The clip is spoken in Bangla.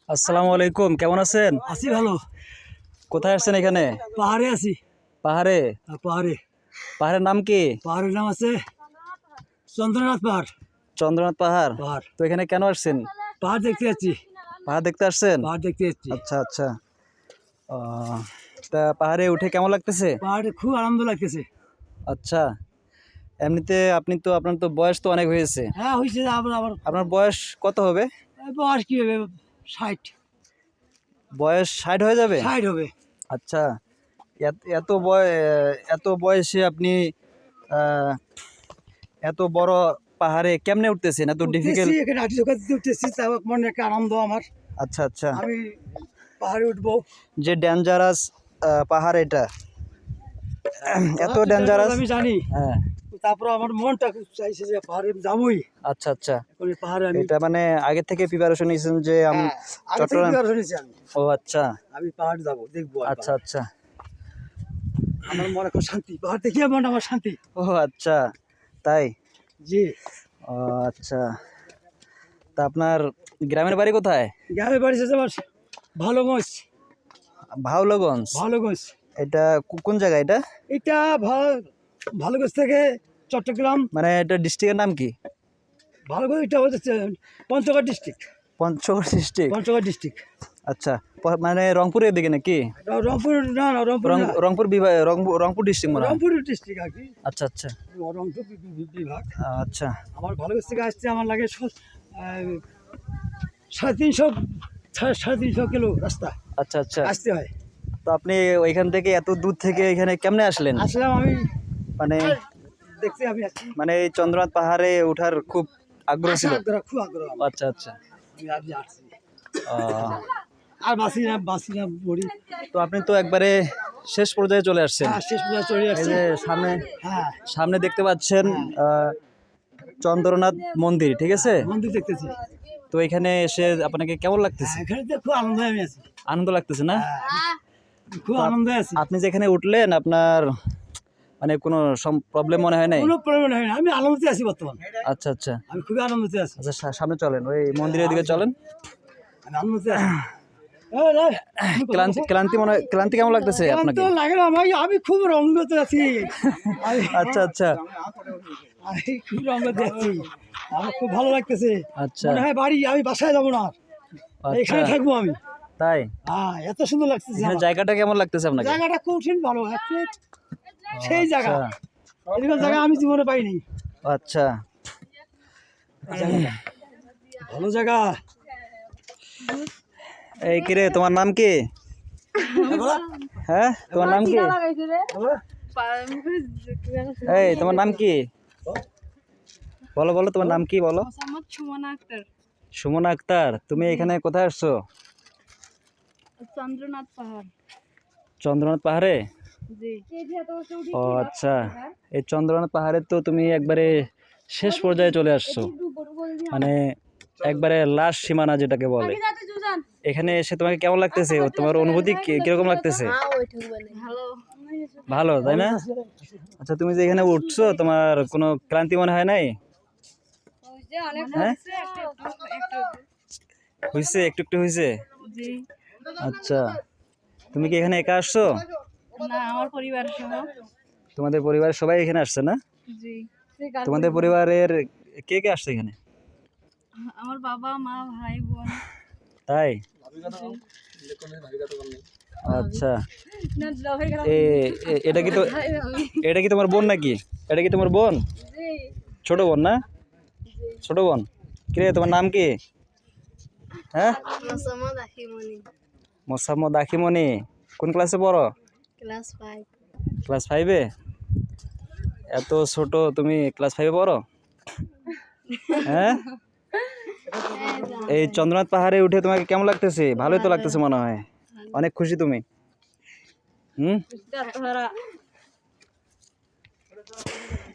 আসসালামু আলাইকুম, কেমন আছেন? আছি ভালো। কোথায় আসছেন এখানে? পাহাড়ে আছি। পাহাড়ে? পাহাড়ে। পাহাড়ের নাম কি? পাহাড়ের নাম আছে চন্দ্রনাথ পাহাড়। চন্দ্রনাথ পাহাড়। পাহাড় তো এখানে কেন আসছেন? পাহাড় দেখতে যাচ্ছি। পাহাড় দেখতে আসছেন? পাহাড় দেখতে যাচ্ছি। আচ্ছা আচ্ছা। আহ, তা পাহাড়ে উঠে কেমন লাগতেছে? পাহাড়ে খুব আনন্দ লাগতেছে। আচ্ছা, এমনিতে আপনার তো বয়স তো অনেক হয়েছে। হ্যাঁ হয়েছে। আবার আবার আপনার বয়স কত হবে? বয়স কি হবে? 60। বয়স 60 হয়ে যাবে? 60 হবে। আচ্ছা, এত বয়সে আপনি আহ, এত বড় পাহাড়ে কেমনে উঠতেছেন? এত ডিফিকাল্ট? উঠতেছি, এখানে হাঁটি চোখা দিতে উঠতেছি, তা মনে একটা আনন্দ আমার। আচ্ছা আচ্ছা। আমি পাহাড়ে উঠবো। যে ডেঞ্জারাস পাহাড় এটা, এত ডেঞ্জারাস আমি জানি। হ্যাঁ। তারপর আমার মনটা খুব চাইছে যে পাহাড়ে যাবোই। আচ্ছা আচ্ছা। এখন এই পাহাড়ে আমি এটা মানে আগে থেকে প্রিপারেশন নিয়েছেন যে আগে থেকে চট্টগ্রাম? preparation নিয়েছি আমি। ও আচ্ছা আমি পাহাড় যাবো, দেখবো। আর আচ্ছা আচ্ছা। আমার মনে খুব শান্তি, পাহাড় দেখিয়ে মন আমার শান্তি। ও আচ্ছা, তাই? জি। ও আচ্ছা। তা আপনার গ্রামের বাড়ি কোথায়? গ্রামের বাড়ি আছে আমার ভালোগঞ্জ। ভাওলগঞ্জ? ভালোগঞ্জ। এটা কোন জায়গা এটা? এটা ভালোগঞ্জ থেকে চট্টগ্রাম। মানে এটা ডিস্ট্রিক্টের নাম কি? ভালোগঞ্জ এটা হচ্ছে Panchagarh district. Panchagarh district? Panchagarh district. আচ্ছা, মানে রংপুরের দিকে নাকি? রংপুর না, না রংপুর না। রংপুর বিভাগ, রংপুর ডিস্ট্রিক্ট মনে হয়। রংপুর ডিস্ট্রিক্ট আর কি। আচ্ছা আচ্ছা রংপুর বিভাগ। আচ্ছা। আমার ভালোগঞ্জ থেকে আসতে আমার লাগে 350 কিলো রাস্তা আচ্ছা আচ্ছা। আসতে হয়। তো আপনি ওইখান থেকে এত দূর থেকে এখানে কেমনে আসলেন? আসলাম আমি মানে দেখতে, আমি আসছি। মানে এই চন্দ্রনাথ পাহাড়ে ওঠার খুব আগ্রহ ছিল? খুব আগ্রহ আমার। আচ্ছা আচ্ছা। আমি আজ আসছি। আহ, আর বাসি না মরি। তো আপনি তো একবারে শেষ পর্যায়ে চলে আসছেন। হ্যাঁ, শেষ পর্যন্ত চলে এই আসছি। যে সামনে হ্যাঁ, সামনে দেখতে পাচ্ছেন চন্দ্রনাথ মন্দির, ঠিক আছে? মন্দির দেখতেছি। তো এখানে এসে আপনাকে কেমন লাগতেছে? এখানে তো খুব আনন্দ আমি আছি। আনন্দ লাগতেছে না? খুব আনন্দে আছি। আপনি যেখানে উঠলেন আপনার মানে কোনো প্রবলেম মনে হয় নাই? কোনো প্রবলেম হয় না, আমি আনন্দতে আছি বর্তমান। আচ্ছা আচ্ছা। আমি খুবই আনন্দতে আছি। আচ্ছা, সামনে চলেন, ওই মন্দিরের দিকে চলেন। আমি আনন্দতে আছি। ক্লান্তি কেমন লাগতেছে আপনাকে? তো লাগে না, আমি খুব রঙ্গতে আছি। আচ্ছা আচ্ছা আমি খুব রঙ্গতে আছি। আমার খুব ভালো লাগতেছে। আচ্ছা মনে হয় আমি বাসায় যাবো না, আচ্ছা। এখানে থাকবো আমি। তাই? হ্যাঁ, এত সুন্দর লাগতেছে এখানে আমার। জায়গাটা কেমন লাগতেছে আপনাকে? জায়গাটা কঠিন ভালো, সেই জায়গা, আচ্ছা এরকম জায়গা আমি জীবনে পাইনি। আচ্ছা। ভালো জায়গা। এই কিরে, তোমার নাম কি? হ্যাঁ, তোমার নাম কি? এই তোমার নাম কি? বলো বলো, তোমার নাম কি বলো? সুমনা আক্তার। সুমনা আক্তার। তুমি এখানে কোথায় আসছো? চন্দ্রনাথ পাহাড়। চন্দ্রনাথ পাহাড়ে? জি। ও আচ্ছা। এই চন্দ্রনাথ পাহাড়ে তো তুমি একবারে শেষ পর্যায়ে চলে আসছো, মানে একবারে লাস্ট সীমানা যেটাকে বলে। এখানে এসে তোমাকে কেমন লাগতেছে? তোমার অনুভূতি কিরকম লাগতেছে? ভালো। ভালো, তাই না? আচ্ছা, তুমি যে এখানে উঠছো তোমার কোনো ক্লান্তি মনে হয় নাই? হ্যাঁ, হয়েছে, একটু একটু হয়েছে। জি। আচ্ছা, তুমি কি এখানে একা আসছো? না, আমার পরিবার সহ। তোমাদের পরিবারের সবাই এখানে আসছে না? জি। তোমাদের পরিবারের কে কে আসছে এখানে? আমার বাবা মা ভাই বোন। তাই? আচ্ছা। এটা কি তোমার বোন নাকি? এটা কি তোমার বোন? ছোট বোন না? ছোট বোন। কিরে, তোমার নাম কি? হ্যাঁ, মোসাম্মদ আখিমণি। কোন ক্লাসে পড়ো? ক্লাস 5। ক্লাস 5-এ? এত ছোট, তুমি ক্লাস 5-এ পড়ো? হ্যাঁ। এই চন্দ্রনাথ পাহাড়ে উঠে তোমাকে কেমন লাগতেছে? ভালোই তো লাগতেছে মনে হয়, অনেক খুশি তুমি? হুম।